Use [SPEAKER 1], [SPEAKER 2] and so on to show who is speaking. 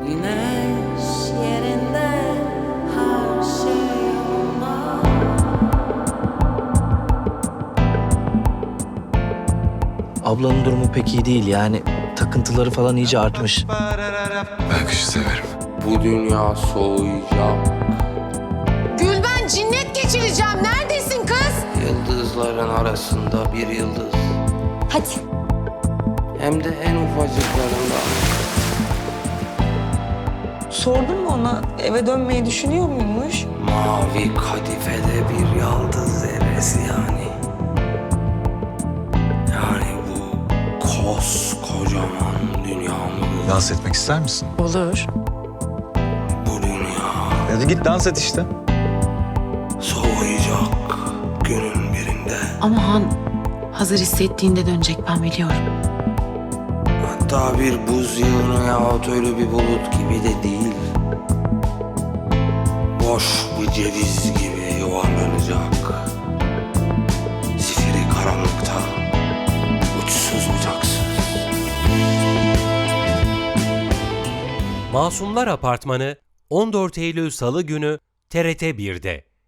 [SPEAKER 1] Güneş yerinde her şey yolunda.
[SPEAKER 2] Ablanın durumu pek iyi değil yani. Takıntıları falan iyice artmış.
[SPEAKER 3] Ben kışı severim.
[SPEAKER 4] Bu dünya soğuyacak.
[SPEAKER 5] Gülben cinnet geçireceğim. Neredesin kız?
[SPEAKER 4] Yıldızların arasında bir yıldız.
[SPEAKER 5] Hadi.
[SPEAKER 4] Hem de en ufacıklarından.
[SPEAKER 6] Sordun mu ona eve dönmeyi düşünüyor muymuş?
[SPEAKER 4] Mavi kadifede bir yıldız zerresi yani. Yani bu koskocaman dünyamız.
[SPEAKER 3] Dans etmek ister misin?
[SPEAKER 6] Olur.
[SPEAKER 4] Bu dünya
[SPEAKER 3] Hadi git dans et işte.
[SPEAKER 4] soğuyacak günün birinde.
[SPEAKER 7] Ama Han hazır hissettiğinde dönecek, ben biliyorum.
[SPEAKER 4] Hatta bir buz yığını yahut ölü bir bulut gibi de değil. Boş bir ceviz gibi yuvarlanacak. Zifiri karanlıkta, uçsuz bucaksız.
[SPEAKER 8] Masumlar Apartmanı 14 Eylül Salı günü TRT 1'de.